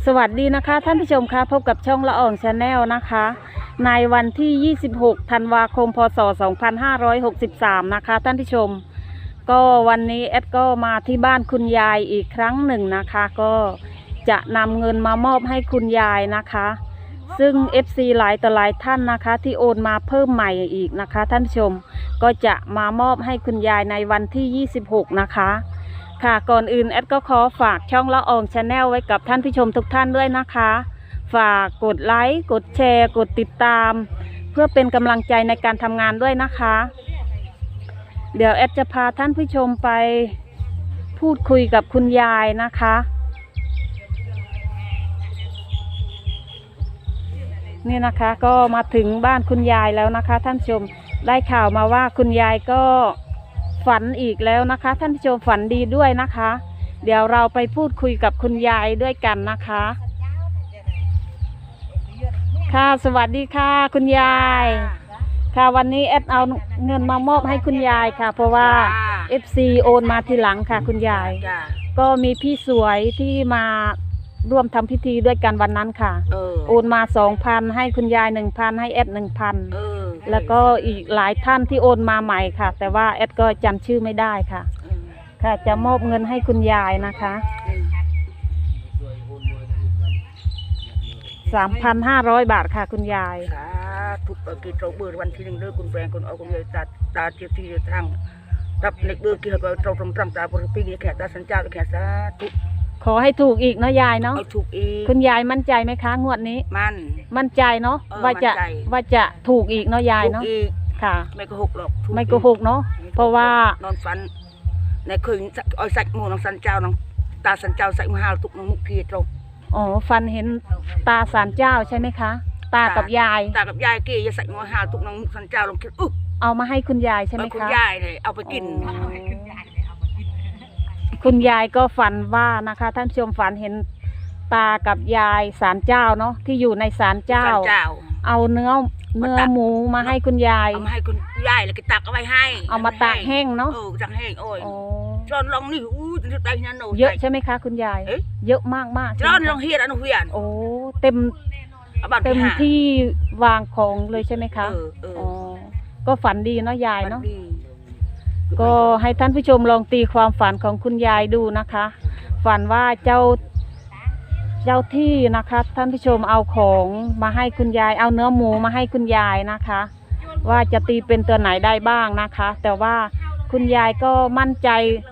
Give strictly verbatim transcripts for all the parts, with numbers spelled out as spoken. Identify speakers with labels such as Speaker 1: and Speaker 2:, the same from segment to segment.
Speaker 1: สวัสดีนะคะท่านผู้ชมคะพบกับช่องละอองชาแนลนะคะในวันที่ยี่สิบหกธันวาคมพศสองพันห้าร้อยหกสิบสามนะคะท่านผู้ชมก็วันนี้แอดก็มาที่บ้านคุณยายอีกครั้งหนึ่งนะคะก็จะนำเงินมามอบให้คุณยายนะคะซึ่ง เอฟ ซี หลายต่อหลายท่านนะคะที่โอนมาเพิ่มใหม่อีกนะคะท่านผู้ชมก็จะมามอบให้คุณยายในวันที่ยี่สิบหกนะคะค่ะก่อนอื่นแอดก็ขอฝากช่องละอองชาแนลไว้กับท่านผู้ชมทุกท่านด้วยนะคะฝากกดไลค์กดแชร์กดติดตามเพื่อเป็นกำลังใจในการทำงานด้วยนะคะเดี๋ยวแอดจะพาท่านผู้ชมไปพูดคุยกับคุณยายนะคะนี่นะคะก็มาถึงบ้านคุณยายแล้วนะคะท่านผู้ชมได้ข่าวมาว่าคุณยายก็ฝันอีกแล้วนะคะท่านผู้ชมฝันดีด้วยนะคะเดี๋ยวเราไปพูดคุยกับคุณยายด้วยกันนะคะค่ะสวัสดีค่ะคุณยายค่ะวันนี้แอดเอาเงินมามอบให้คุณยายค่ะเพราะว่า เอฟ ซี โอนมาทีหลังค่ะคุณยายก็มีพี่สวยที่มาร่วมทำพิธีด้วยกันวันนั้นค่ะโอนมาสองพันให้คุณยายหนึ่งพันให้แอดหนึ่งพันแล้วก็อีกหลายท่านที่โอนมาใหม่ค่ะแต่ว่าแอดก็จำชื่อไม่ได้ค่ะค่ะจะมอบเงินให้คุณยายนะคะสามพันห้าร้อยบาทค่ะคุณยาย
Speaker 2: ทุกกิจเราเบื่อวันที่หนึ่งเลิกคุณแฟนคุณเอาคุณยายตัดตาเทียบที่ทางรับเล็กเบื่อกี่เราเราตรงตรงตาบริปีนี้แขกตาสัญจรแขกสาธุ
Speaker 1: ขอให้ถูกอีกเนาะยายเนาะ
Speaker 2: ถูกอีก
Speaker 1: คุณยายมั่นใจไหมคะงวดนี้
Speaker 2: มั่น
Speaker 1: มั่นใจเนาะว่าจะว่าจะถูกอีกเนาะยายเนาะค่ะ
Speaker 2: ไม่โกหกหรอก
Speaker 1: ไม่โกหกเนาะเพราะว่าน
Speaker 2: อนฝันในคืนอ้อยสักมูน้องสันเจ้าน้องตาสันเจ้าใส่มหาตุกน้องมุกพีตรง
Speaker 1: อ๋อฟันเห็นตาศาลเจ้าใช่ไหมคะตากับยาย
Speaker 2: ตากับยายเกยจะใส่มหาตุกน้องมุกสันเจ้าลงคิดอุ๊
Speaker 1: เอามาให้คุณยายใช่ไหมคะ
Speaker 2: คุณยายเลยเอาไปกิน
Speaker 1: คุณยายก็ฝันว่านะคะท่านชมฝันเห็นตากับยายศาลเจ้าเนาะที่อยู่ในศาลเจ้าเอาเนื้อเนื้อหมูมาให้คุณยาย
Speaker 2: เอามาให้คุณยายแล้วก็ตักเอาไว้ให้
Speaker 1: เอามาตากแห้งเนาะ
Speaker 2: เออตักแห้งโอ้ยจอนลองนี่อู้จะได้นั่นโอ้
Speaker 1: เยอะใช่ไหมคะคุณยายเยอะมากมาก
Speaker 2: จอนลองเฮียนอนุเฮียน
Speaker 1: โอ้เต็มเต็มที่วางของเลยใช่ไหมคะอ๋อก็ฝันดีเนาะยายเนาะก็ให้ท่านผู้ชมลองตีความฝันของคุณยายดูนะคะฝันว่าเจ้าเจ้าที่นะคะท่านผู้ชมเอาของมาให้คุณยายเอาเนื้อหมูมาให้คุณยายนะคะว่าจะตีเป็นตัวไหนได้บ้างนะคะแต่ว่าคุณยายก็มั่นใจ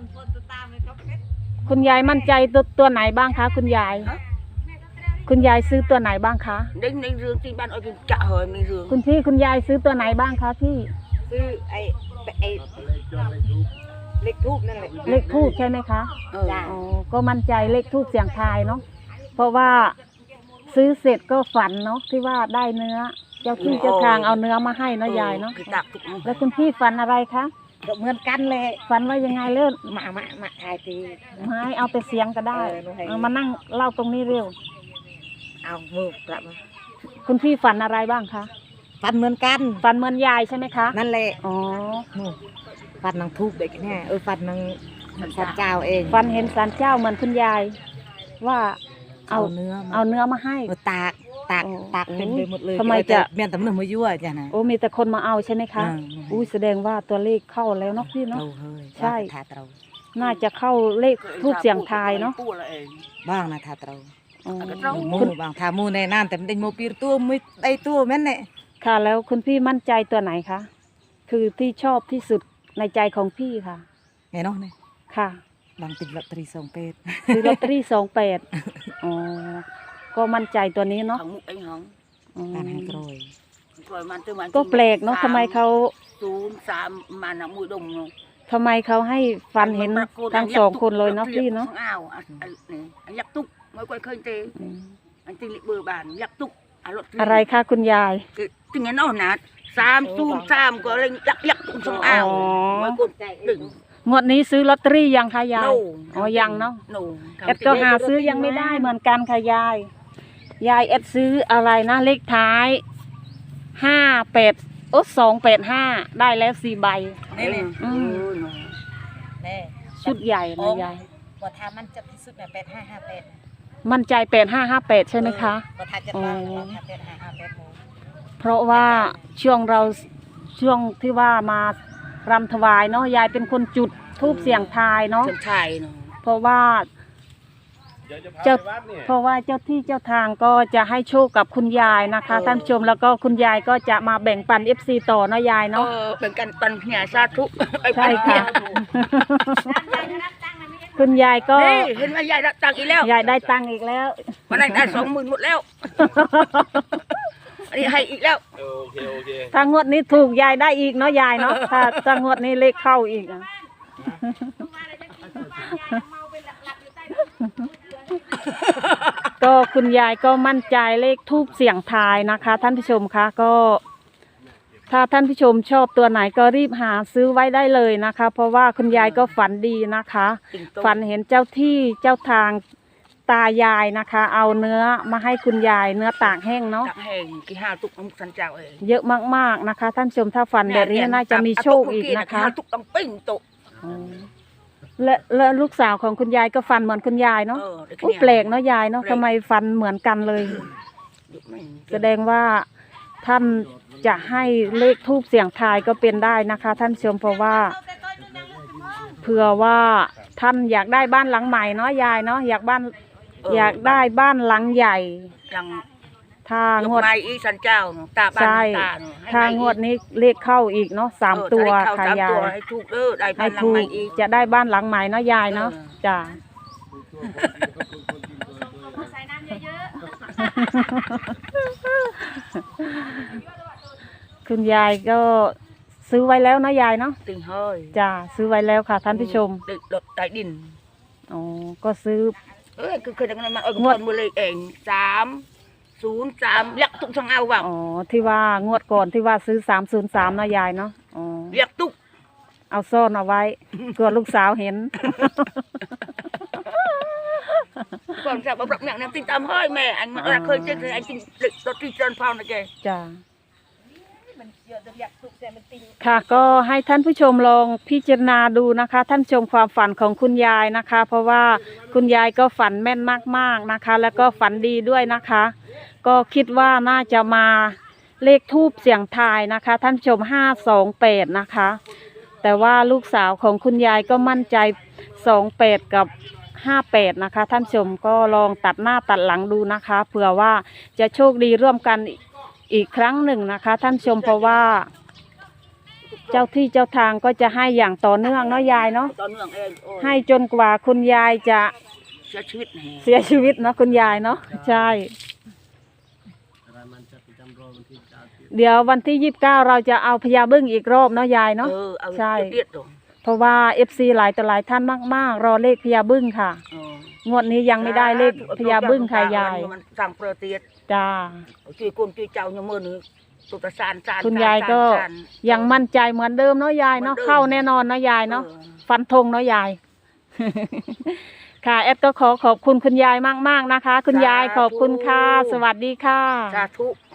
Speaker 1: คุณยายมั่นใจตัวตัวไหนบ้างคะคุณยายคุณยายซื้อตัวไหนบ้างคะ
Speaker 2: ในในเรื่องที่บ้านเอาจะเหยในเรื่อง
Speaker 1: คุณพี่คุณยายซื้อตัวไหนบ้างคะพี่
Speaker 2: ซื้อไอ้ไอ้เลขทูบนั่นแหละ
Speaker 1: เลขทูบใช่ไหมคะอ๋อก็มั่นใจเลขทูบเสียงทายเนาะเพราะว่าซื้อเสร็จก็ฝันเนาะที่ว่าได้เนื้อเจ้าที่เจ้าทางเอาเนื้อมาให้เนาะยายเนาะแล้วคุณพี่ฝันอะไรคะ
Speaker 2: เหมือนกันเลย
Speaker 1: ฝันว่ายังไงเรื่อง
Speaker 2: มามามาทายตี
Speaker 1: ไม่เอาแต่เสียงก็ได้เอามานั่งเล่าตรงนี้เร็ว
Speaker 2: เอามือกลับมา
Speaker 1: คุณพี่ฝันอะไรบ้างคะ
Speaker 2: ฝันเหมือนกัน
Speaker 1: ฝันเหมือนยายใช่ไหมคะ
Speaker 2: นั่นแหละ
Speaker 1: อ๋อ
Speaker 2: ฝันนางทูบเด็กแน่เออฝันนางศาลเจ้าเอง
Speaker 1: ฝันเห็นศาลเจ้าเหมือนคุณยายว่าเอา
Speaker 2: เนื้อ
Speaker 1: เอาเนื้อมาให้
Speaker 2: ตากตากตากเต็มไปหมดเลย
Speaker 1: ทำไมจะ
Speaker 2: เมียนแต่มันมายั่วจ้ะนะ
Speaker 1: โอ้มีแต่คนมาเอาใช่ไหมคะอุ้ยแสดงว่าตัวเลขเข้าแล้วเนาะพี่เนาะใช่น่าจะเข้าเลขทูบเสียงทายเนาะ
Speaker 2: บ้างนะทาเตามูบางทามูในนั่นแต่ไม่ได้โมปีตัวไม่ได้ตัวแม่นเนี่ย
Speaker 1: ค่ะแล้วคุณพี่มั่นใจตัวไหนคะคือที่ชอบที่สุดในใจของพี่ค่ะ
Speaker 2: ไงเนาะเนี่ย
Speaker 1: ค่ะ
Speaker 2: บางติดลอตเตอรี่สองแปด
Speaker 1: ติดลอตเตอรี่สองแปดอ๋อก็มั่นใจตัวนี้เนาะ
Speaker 2: การให้กรอย
Speaker 1: ก็แปลกเนาะทำไมเขา
Speaker 2: ศูนย์สามมันอะมือดม
Speaker 1: ทำไมเขาให้ฟันเห็นทั้งสองคนเลยเนาะพี่เนาะ
Speaker 2: อ้าวยักษ์ตุกไม่ค่อยเคยเจออันที่เบอร์บานยักษ์ตุก
Speaker 1: อะไรคะคุณยาย
Speaker 2: ถึงงั้นเอาหนาสามศูนย์สามก็เลยยักษ์ยักษ์ตุกสองอ้าวไม่กดดึง
Speaker 1: งวดนี้ซื้อลอตเตอรี่ยังคะยายอ๋อยังเนาะเอ็ดก็หาซื้อยังไม่ได้เหมือนกันค่ะยายยายเอ็ดซื้ออะไรนะเลขท้ายห้าแปดโอ้สองแปดห้าได้แล้วสี่ใบ
Speaker 2: นี่เลย
Speaker 1: ชุดใหญ่นะยาย
Speaker 2: ว่าทามันจะที่สุดเนี่ยแปดห้าห้าแปด
Speaker 1: มั่นใจแปดห้าห้าแปดใช่ไหมคะ
Speaker 2: ก็ทัดจะ
Speaker 1: อ๋อ
Speaker 2: บ้านเราทัดเป็นห้าห้าแปดโมง
Speaker 1: เพราะว่าช่วงเราช่วงที่ว่ามารำถวายเนาะยายเป็นคนจุดทูบเสียงทายเนาะ
Speaker 2: เชิงชายเนาะ
Speaker 1: เพราะว่าเจ้าเพราะว่าเจ้าที่เจ้าทางก็จะให้โชคกับคุณยายนะคะท่านผู้ชมแล้วก็คุณยายก็จะมาแบ่งปัน เอฟ ซี ต่อเนาะยาย
Speaker 2: เอ
Speaker 1: เนาะ
Speaker 2: อเป็นกันปันเหียสาธุไอ้
Speaker 1: ใช่
Speaker 2: ปันเหี
Speaker 1: ค่ะ
Speaker 2: ย
Speaker 1: คุณยายก็
Speaker 2: นี่เห็นว่ายายได้ตังค์อีกแล้ว
Speaker 1: ยายได้ตังค์อีกแล้ว
Speaker 2: วันนั้นได้สองหมื่นหมดแล้ว อันนี้ให้อีกแล้ว
Speaker 3: โอเคโอเค
Speaker 1: ถ้างวดนี้ถูกยายได้อีกเนาะยายเนาะถ้าถ้างวดนี้เลขเข้าอีกอะก็คุณยายก็มั่นใจเลขทูบเสียงทายนะคะ ท่านผู้ชมคะก็ ถ้าท่านผู้ชมชอบตัวไหนก็รีบหาซื้อไว้ได้เลยนะคะ เพราะว่าคุณยายก็ฝันดีนะคะ ฝันเห็นเจ้าที่เจ้าทางตายายนะคะ เอาเนื้อมาให้คุณยายเนื้อตากแห้งเนาะ
Speaker 2: ตักแห้งกี่ห้าตุกน้ำสันเจ้าเอง
Speaker 1: เยอะมากๆนะคะ ท่านผู้ชมถ้าฝันแบบนี้น่าจะมีโชคอีกนะคะ
Speaker 2: ห้าตุกต้องปิ้งตุก
Speaker 1: อ๋อและและลูกสาวของคุณยายก็ฟันเหมือนคุณยายเนาะ
Speaker 2: เออได้แค่
Speaker 1: อุ๊ย
Speaker 2: นี้
Speaker 1: แปลกเนาะยายเนาะทำไมฟันเหมือนกันเลย แสดงว่าท่านจะให้เลขทูบเสียงทายก็เป็นได้นะคะ ท่านผู้ชมเพราะว่าเผื่อว่าท่านอยากได้บ้านหลังใหม่เนาะยายเนาะอยากบ้านอยากได้บ้านหลังใหญ่
Speaker 2: ยัง
Speaker 1: ถ้าง
Speaker 2: ง
Speaker 1: ว
Speaker 2: ว
Speaker 1: ด
Speaker 2: ดอีสันเจ้าเนาะตาบ้าน
Speaker 1: ใช่
Speaker 2: ตาเนาะให้
Speaker 1: ถ้างวดนี้เลขเข้าอีกเนาะสาม
Speaker 2: เออ
Speaker 1: ตัว
Speaker 2: ถ้าได้เข้า
Speaker 1: ค่ะ
Speaker 2: สาม
Speaker 1: ยา
Speaker 2: ตัวย ให้ถูกเด้อได้บ้า
Speaker 1: ให้
Speaker 2: นหลัง
Speaker 1: ถู
Speaker 2: ใหม่
Speaker 1: ก
Speaker 2: อีก
Speaker 1: จะได้บ้านหลังใหม่เนาะยายเนาะ
Speaker 2: เออ
Speaker 1: จ้ะ คุณยายก็ซื้อไว้แล้วเนาะยายเนาะ
Speaker 2: ติงเฮ้ย
Speaker 1: จ้ะซื้อไว้แล้วค่ะท่านผู้ชม
Speaker 2: เด็กรถใต้ดิน
Speaker 1: อ๋อก็ซื้อ
Speaker 2: เอ้ยคือเคยทำงานมาเออคนมือเลยเองสามศูนย์สามเรียกตุกช่างเอาว่ะ
Speaker 1: อ๋อที่ว่างวดก่อนที่ว่าซื้อสามศูนย์สามเนาะยายเนาะอ๋อ
Speaker 2: เรียกตุก
Speaker 1: เอาซ่อนเอาไว้กลัวลูกสาวเห็น
Speaker 2: ก่อนจะมาปรับเนี่ยเนี่ยติดตามเฮ้ยแม่อันมันเราเคยเจอไอ้จริงเด็กรถที่เจริญพรนะแก
Speaker 1: จ้ะค่ะก็ให้ท่านผู้ชมลองพิจารณาดูนะคะ ท่านชมความฝันของคุณยายนะคะ เพราะว่าคุณยายก็ฝันแม่นมากๆนะคะ แล้วก็ฝันดีด้วยนะคะ ก็คิดว่าน่าจะมาเลขทูบเสียงทายนะคะ ท่านผู้ชมห้าสองแปดนะคะ แต่ว่าลูกสาวของคุณยายก็มั่นใจสองแปดกับห้าแปดนะคะ ท่านผู้ชมก็ลองตัดหน้าตัดหลังดูนะคะเผื่อว่าจะโชคดีร่วมกันอีกครั้งหนึ่งนะคะ ท่านผู้ชมเพราะว่าเจ้าที่เจ้าทางก็จะให้อย่างต่อเนื่องเนาะยายเนาะ
Speaker 2: ตอนเนื่องเองโอ้ย
Speaker 1: ให้จนกว่าคุณยายจะ
Speaker 2: เสียชีวิตแห่
Speaker 1: เสียชีวิตเนาะคุณยายเนาะใช่ เดี๋ยววันที่ยี่สิบเก้าเราจะเอาพญาบึ้งอีกรอบเนาะยายเนาะ
Speaker 2: เออเอา
Speaker 1: ใช่
Speaker 2: เดียดๆตรง
Speaker 1: เพราะว่าเอฟซีหลายต่อหลายท่านมากๆ รอเลขพญาบึ้งค่ะ
Speaker 2: เออง
Speaker 1: วดนี้ยังไม่ได้เลขพญาบึ้งค่ะยาย
Speaker 2: มันสั่งเปรเตียด
Speaker 1: จ้า
Speaker 2: ช่วยคนช่วยเจ้าเนี่ยมือหนึ่งตุตะสานสาน
Speaker 1: คุณยายก็
Speaker 2: สานสาน
Speaker 1: ยังมั่นใจเหมือนเดิมเนาะยายเนาะ
Speaker 2: เหมือนเดิม
Speaker 1: เข้าแน่นอนเนาะยายเนาะ
Speaker 2: ออ
Speaker 1: ฟันธงเนาะยาย ค่ะแอดก็ขอขอบคุณคุณยายมากๆนะคะ คุณยายขอบคุณค่ะ สวัสดีค่ะ
Speaker 2: สาธุ